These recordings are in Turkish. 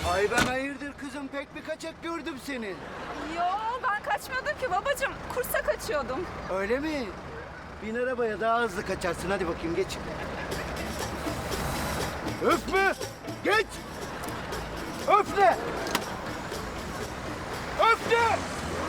Ay ben hayırdır kızım, pek bir kaçak gördüm seni. Yo, ben kaçmıyordum ki babacığım. Kursa kaçıyordum. Öyle mi? Bin arabaya daha hızlı kaçarsın, hadi bakayım geç. Öpme! Geç! Öpme! Öpme!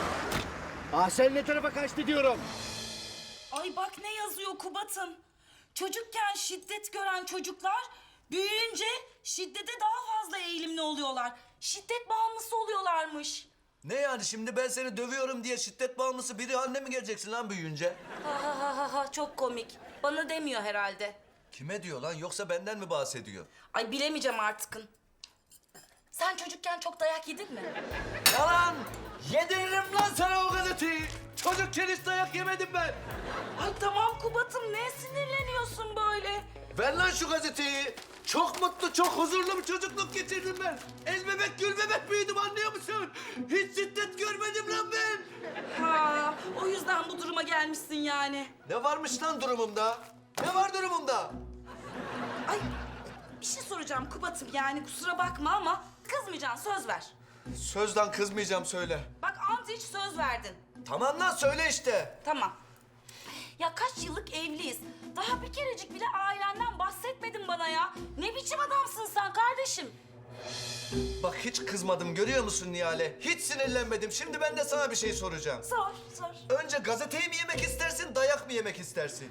Sen ne tarafa kaçtı diyorum. Ay bak ne yazıyor Kubat'ım. Çocukken şiddet gören çocuklar büyüyünce şiddete daha fazla eğilimli oluyorlar. Şiddet bağımlısı oluyorlarmış. Ne yani şimdi ben seni dövüyorum diye şiddet bağımlısı biri haline mi geleceksin lan büyüyünce? Ha çok komik. Bana demiyor herhalde. Kime diyor lan yoksa benden mi bahsediyor? Ay bilemeyeceğim artıkın. Sen çocukken çok dayak yedin mi? Yalan! Yediririm lan sana o gazeteyi! Çocukken hiç dayak yemedim ben! Ay tamam Kubat'ım, ne sinirleniyorsun böyle? Ver lan şu gazeteyi! Çok mutlu, çok huzurlu bir çocukluk geçirdim ben. El bebek, gül bebek büyüdüm, anlıyor musun? Hiç şiddet görmedim lan ben. Ha, o yüzden bu duruma gelmişsin yani. Ne varmış lan durumumda? Ne var durumumda? Ay bir şey soracağım Kubat'ım, yani kusura bakma ama kızmayacaksın, söz ver. Sözden kızmayacağım, söyle. Bak ant hiç söz verdin. Tamam lan, söyle işte. Tamam. Ya kaç yıllık evliyiz. Daha bir kerecik bile ailenden bahsetmedin bana ya. Ne biçim adamsın sen kardeşim? Bak hiç kızmadım, görüyor musun Nihale? Hiç sinirlenmedim. Şimdi ben de sana bir şey soracağım. Sor. Önce gazeteyi mi yemek istersin, dayak mı yemek istersin?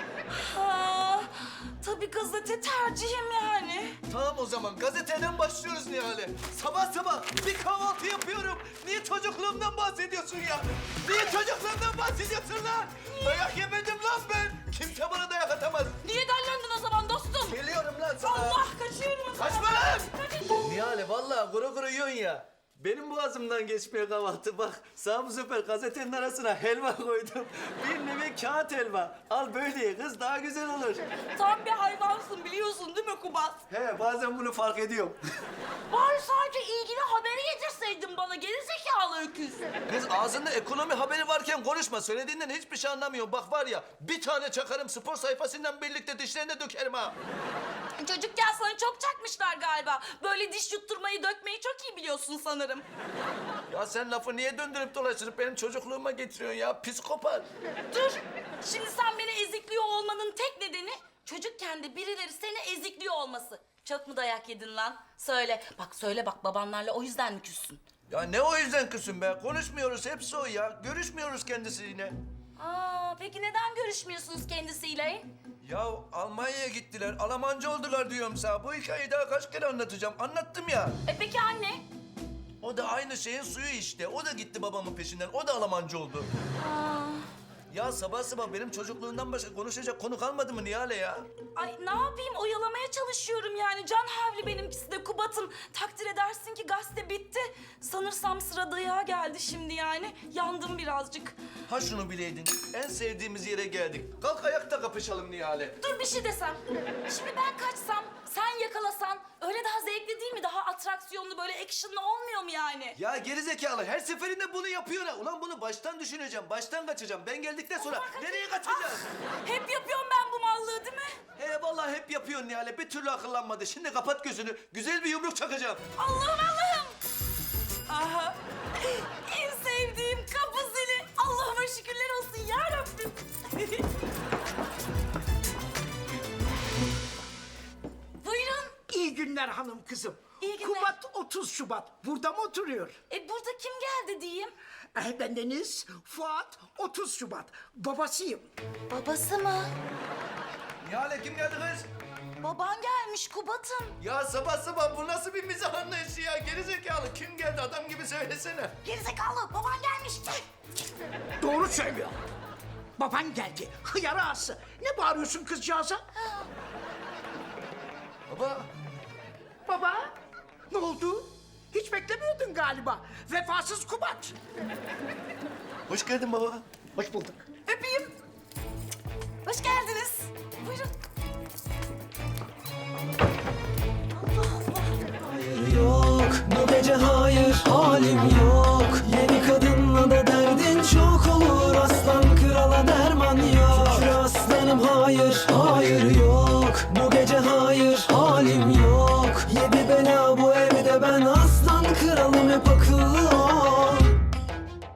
Ha, tabii gazete tercihim yani. Tamam o zaman gazeteden başlıyoruz Nihale. Sabah sabah bir kahvaltı yapıyorum. Niye çocukluğumdan bahsediyorsun ya? Niye çocukluğumdan bahsediyorsun lan? Dayak yemedim lan ben. Kimse bana dayak atamaz. Niye dellendin o zaman dostum? Geliyorum lan sana. Allah, kaçıyorum o zaman. Kaçma lan! Nihale vallahi kuru kuru yiyorsun ya. Benim boğazımdan geçmiyor kahvaltı. Bak sağ bu sefer gazetenin arasına helva koydum. Bir nevi kağıt helva. Al böyle ye kız, daha güzel olur. Tam bir hayvansın biliyorsun değil mi Kubat? He bazen bunu fark ediyorum. Bari sadece ilgili haberi getirseydin bana, gerizekalı öküz. Kız ağzında ekonomi haberi varken konuşma. Söylediğinden hiçbir şey anlamıyorum. Bak var ya bir tane çakarım spor sayfasından birlikte dişlerine dökerim ha. Çocukken sana çok çakmışlar galiba. Böyle diş yutturmayı, dökmeyi çok iyi biliyorsun sanırım. Ya sen lafı niye döndürüp dolaştırıp benim çocukluğuma getiriyorsun ya? Psikopat. Dur, şimdi sen beni ezikliyor olmanın tek nedeni çocukken de birileri seni ezikliyor olması. Çok mu dayak yedin lan? Söyle. Bak söyle bak, babanlarla o yüzden mi küssün? Ya ne o yüzden kızım be? Konuşmuyoruz hepsi o ya. Görüşmüyoruz kendisiyle. Peki neden görüşmüyorsunuz kendisiyle? Ya Almanya'ya gittiler. Almancı oldular diyorum sana. Bu hikayeyi daha kaç kere anlatacağım. Anlattım ya. Peki anne? O da aynı şeyin suyu işte. O da gitti babamın peşinden. O da Almancı oldu. Ya sabah sabah benim çocukluğumdan başka konuşacak konu kalmadı mı Nihale ya? Ay ne yapayım, oyalamaya çalışıyorum yani. Can havli benimkisi de Kubat'ım. Takdir edersin ki gazete bitti. Sanırsam sıra dayağa geldi şimdi yani. Yandım birazcık. Ha şunu bileydin. En sevdiğimiz yere geldik. Kalk ayakta kapışalım Nihale. Dur bir şey desem. Şimdi ben kaçsam, sen yakalasan öyle daha zevkli değil mi? Daha atraksiyonlu, böyle actionlı olmuyor mu yani? Ya gerizekalı her seferinde bunu yapıyor ha. Ulan bunu baştan düşüneceğim. Baştan kaçacağım. Ben geldikten sonra nereye kaçacağız? Hep yapıyorum ben bu mallığı değil mi? He vallahi hep yapıyorsun Nihale. Bir türlü akıllanmadı. Şimdi kapat gözünü. Güzel bir yumruk çakacağım. Allah'ım! Aha! En sevdiğim kapı zili. Allah'ıma şükürler olsun ya Rabbim. Buyurun. İyi günler hanım kızım. İyi günler. Kubat 30 Şubat. Burada mı oturuyor? Burada kim geldi diyeyim? Bendeniz Fuat 30 Şubat. Babasıyım. Babası mı? Nihale kim geldi kız? Baban gelmiş Kubat'ım. Ya sabah sabah bu nasıl bir mizah anlayışı ya? Gerizekalı kim geldi adam gibi söylesene. Gerizekalı, baban gelmiş. Doğru söylüyor. Baban geldi. Hıyar ağası. Ne bağırıyorsun kızcağıza? Baba. Baba. Ne oldu? Hiç beklemiyordun galiba. Vefasız Kubat. Hoş geldin baba. Hoş bulduk. Öpeyim. Hoş geldiniz. Buyurun. Hayır yok bu gece, hayır halim yok. Yeni kadınla da derdin çok olur. Aslan krala derman yok. Şükür aslanım, hayır hayır yok. Bu gece hayır halim yok.